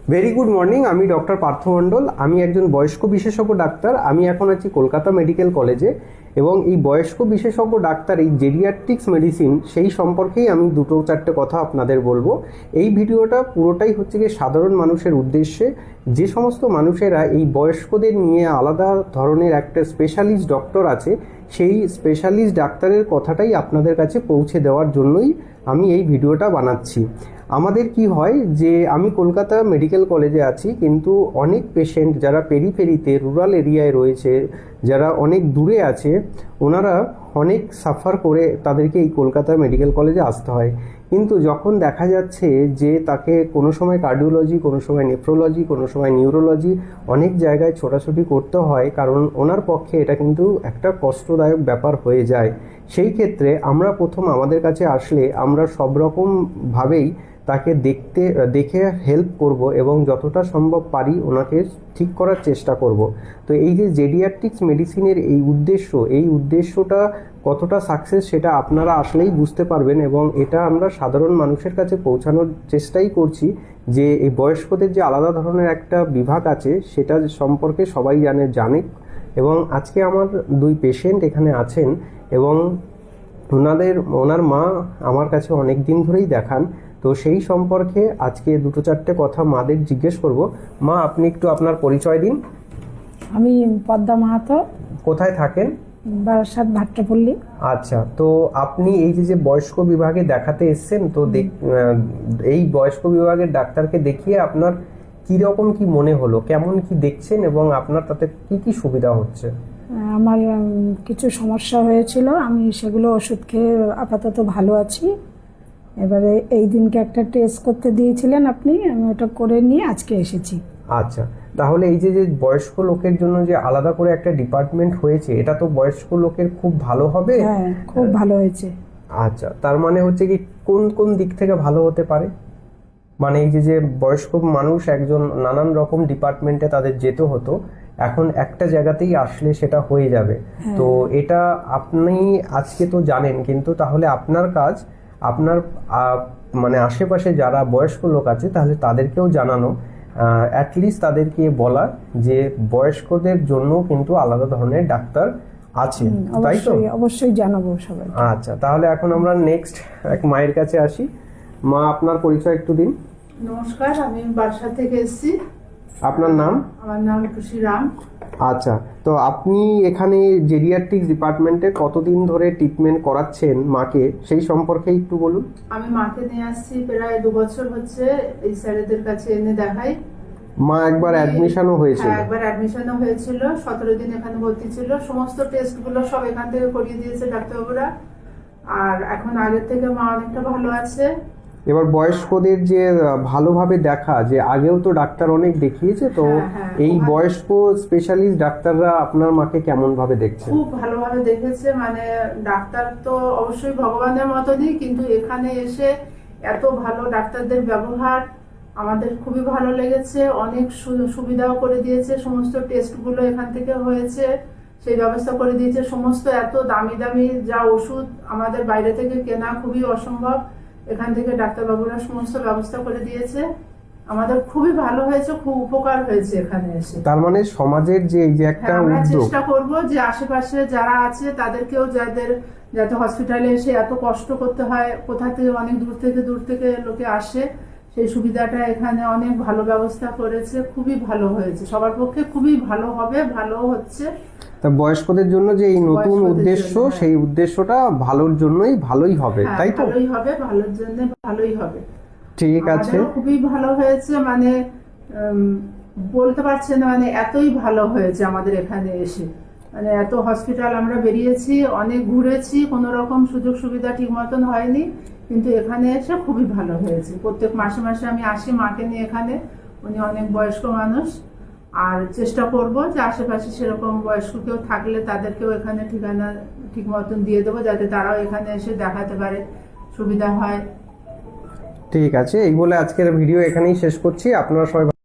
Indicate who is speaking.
Speaker 1: Very good morning. আমি doctor Partha Mondal. আমি একজন বয়স্ক বিশেষজ্ঞ ডাক্তার। আমি এখন আছি কলকাতা মেডিকেল কলেজে এবং এই বয়স্ক বিশেষজ্ঞ ডাক্তার এই জেরিয়াট্রিক্স মেডিসিন সেই সম্পর্কেই আমি দুটো চারটে কথা আপনাদের বলবো। এই ভিডিওটা পুরোটাই হচ্ছে গিয়ে সাধারণ মানুষের উদ্দেশ্যে। যে সমস্ত মানুষেরা এই বয়স্কদের নিয়ে আলাদা ধরনের একটা স্পেশালিস্ট ডক্টর আছে, সেই স্পেশালিস্ট ডাক্তারের কথাটাই আপনাদের কাছে পৌঁছে দেওয়ার জন্যই আমি এই ভিডিওটা বানাচ্ছি। আমাদের কি হয় যে আমি কলকাতা মেডিকেল কলেজে আছি, কিন্তু অনেক পেশেন্ট যারা পেরিফেরিতে রুরাল এরিয়ায় রয়েছে, যারা অনেক দূরে আছে, ওনারা অনেক সাফার করে তাদেরকে এই কলকাতা মেডিকেল কলেজে আসতে হয়। কিন্তু যখন দেখা যাচ্ছে যে তাকে কোনো সময় কার্ডিওলজি, কোনো সময় নেফ্রোলজি, কোনো সময় নিউরোলজি অনেক জায়গায় ছোটাছুটি করতে হয়, কারণ ওনার পক্ষে এটা কিন্তু একটা কষ্টদায়ক ব্যাপার হয়ে যায়। সেই ক্ষেত্রে আমরা প্রথম আমাদের কাছে আসলে আমরা সব রকমভাবেই তাকে দেখে হেল্প করব এবং যতটা সম্ভব পারি ওনাকে ঠিক করার চেষ্টা করব। তো এই যে জেরিয়াট্রিক্স মেডিসিনের এই উদ্দেশ্যটা কতটা সাকসেস সেটা আপনারা আসলেই বুঝতে পারবেন, এবং এটা আমরা সাধারণ মানুষের কাছে পৌঁছানোর চেষ্টাই করছি যে এই বয়স্কদের যে আলাদা ধরনের একটা বিভাগ আছে সেটা সম্পর্কে সবাই জানে। এবং আজকে আমার দুই পেশেন্ট এখানে আছেন এবং ওনার মা আমার কাছে অনেক দিন ধরেই দেখান। তো সেই সম্পর্কে আজকে দুটো চারটে কথা মাদের জিজ্ঞেস করব। মা, আপনি একটু আপনার পরিচয় দিন।
Speaker 2: আমি পদ্মা মাহাতো।
Speaker 1: কোথায় থাকেন?
Speaker 2: বারাসাত ভাট্টাপল্লী।
Speaker 1: আচ্ছা, তো আপনি এই যে বয়স্ক বিভাগে দেখাতে এসেছেন, তো এই বয়স্ক বিভাগের ডাক্তারকে দেখিয়ে আপনার কি রকম কি মনে হলো, কেমন কি দেখছেন এবং আপনার তাতে কি কি সুবিধা হচ্ছে?
Speaker 2: আমার কিছু সমস্যা হয়েছিল, আমি সেগুলো ওষুধ খেয়ে আপাতত ভালো আছি। এবারে এই দিনকে একটা টেস্ট করতে দিয়েছিলেন আপনি, আমি ওটা করে নিয়ে আজকে এসেছি।
Speaker 1: আচ্ছা, তাহলে এই যে বয়স্ক লোকের জন্য যে আলাদা করে একটা ডিপার্টমেন্ট হয়েছে, এটা তো বয়স্ক লোকের খুব ভালো হবে।
Speaker 2: হ্যাঁ, খুব ভালো হয়েছে।
Speaker 1: আচ্ছা, তার মানে হচ্ছে কি কোন কোন দিক থেকে ভালো হতে পারে? মানে এই যে বয়স্ক মানুষ একজন নানান রকম ডিপার্টমেন্টে তাদের যেতে হতো, এখন একটা জায়গাতেই আসলে সেটা হয়ে যাবে। তো এটা আপনি আজকে তো জানেন, কিন্তু তাহলে আপনার কাজ আপনার মানে আশেপাশে যারা বয়স্ক লোক আছে তাহলে তাদেরকেও জানানো, অ্যাটলিস্ট তাদেরকে বলা যে বয়স্কদের জন্য কিন্তু আলাদা ধরনের ডাক্তার আছে, তাই তো?
Speaker 2: অবশ্যই জানাবো সবাই।
Speaker 1: আচ্ছা, তাহলে এখন আমরা নেক্সট এক মায়ের কাছে আসি। মা, আপনার পরিচয় একটু দিন।
Speaker 3: নমস্কার, আমি বারাসাত থেকে এসেছি।
Speaker 1: আপনার নাম?
Speaker 3: আমার নাম খুশি রাম।
Speaker 1: আচ্ছা, তো আপনি এখানে জেরিয়াট্রিক্স ডিপার্টমেন্টে কতদিন ধরে ট্রিটমেন্ট করাচ্ছেন মাকে, সেই সম্পর্কে একটু বলুন।
Speaker 3: আমি মাকে নিয়ে আসছি প্রায় 2 বছর হচ্ছে, এই স্যারেদের কাছে এনে দেখাই।
Speaker 1: মা একবার অ্যাডমিশনও হয়েছিল?
Speaker 3: হ্যাঁ, একবার অ্যাডমিশনও হয়েছিল, 17 দিন এখানে ভর্তি ছিল। সমস্ত টেস্টগুলো সব এখান থেকে করিয়ে দিয়েছে ডাক্তারবাবুরা, আর এখন আগের থেকে মা অনেকটা ভালো আছে।
Speaker 1: এবার বয়স্কদের যে ভালোভাবে দেখা, যে আগেও তো ডাক্তার অনেক দেখিয়েছে, তো এই বয়স্ক স্পেশালিস্ট ডাক্তাররা আপনার মাকে কেমন ভাবে দেখছে?
Speaker 3: খুব ভালোভাবে দেখেছে, মানে ডাক্তার তো অবশ্যই ভগবানের মতনই, কিন্তু এখানে এসে এত ভালো ডাক্তারদের ব্যবহার আমাদের খুবই ভালো লেগেছে। অনেক সুবিধাও করে দিয়েছে, সমস্ত টেস্টগুলো এখান থেকে হয়েছে, সেই ব্যবস্থা করে দিয়েছে। সমস্ত এত দামি দামি যা ওষুধ আমাদের বাইরে থেকে কেনা খুবই অসম্ভব, এখান থেকে ডাক্তারবাবুরা সমস্ত ব্যবস্থা করে দিয়েছে। আমাদের খুবই ভালো হয়েছে, খুব উপকার হয়েছে এখানে এসে।
Speaker 1: তার মানে সমাজের যে এই যে একটা
Speaker 3: আমরা
Speaker 1: উদ্যোগ,
Speaker 3: চেষ্টা করব যে আশেপাশে যারা আছে তাদেরকেও, যাতে হসপিটালে এসে এত কষ্ট করতে হয়, কোথা থেকে অনেক দূর থেকে লোকে আসে, সেই সুবিধাটা এখানে অনেক ভালো ব্যবস্থা করেছে। খুবই ভালো হয়েছে, সবার পক্ষে খুবই ভালো হবে, ভালো হচ্ছে।
Speaker 1: তা বয়স্কদের জন্য যে এই নতুন উদ্দেশ্য, সেই উদ্দেশ্যটা ভালোর জন্যই ভালোই হবে, তাই তো?
Speaker 3: ভালোই হবে, ভালোর জন্য ভালোই হবে।
Speaker 1: ঠিক আছে,
Speaker 3: খুবই ভালো হয়েছে, মানে বলতে পারছি না, মানে এতই ভালো হয়েছে আমাদের এখানে এসে। মানে এত হসপিটাল আমরা বেরিয়েছি, অনেক ঘুরেছি, কোনো রকম সুযোগ সুবিধা ঠিক মতন হয়নি, কিন্তু এখানে এসে খুবই ভালো হয়েছে। প্রত্যেক মাসে মাসে আমি আসি মাকে নিয়ে এখানে, উনি অনেক বয়স্ক মানুষ, আর চেষ্টা করব যে আশেপাশে সেরকম বয়স্ক কেউ থাকলে তাদেরকেও এখানে ঠিকানা ঠিক মতন দিয়ে দেবো, যাতে তারাও এখানে এসে দেখাতে পারে, সুবিধা হয়।
Speaker 1: ঠিক আছে। এই বলে আজকের ভিডিও এখানেই শেষ করছি। আপনারা সবাই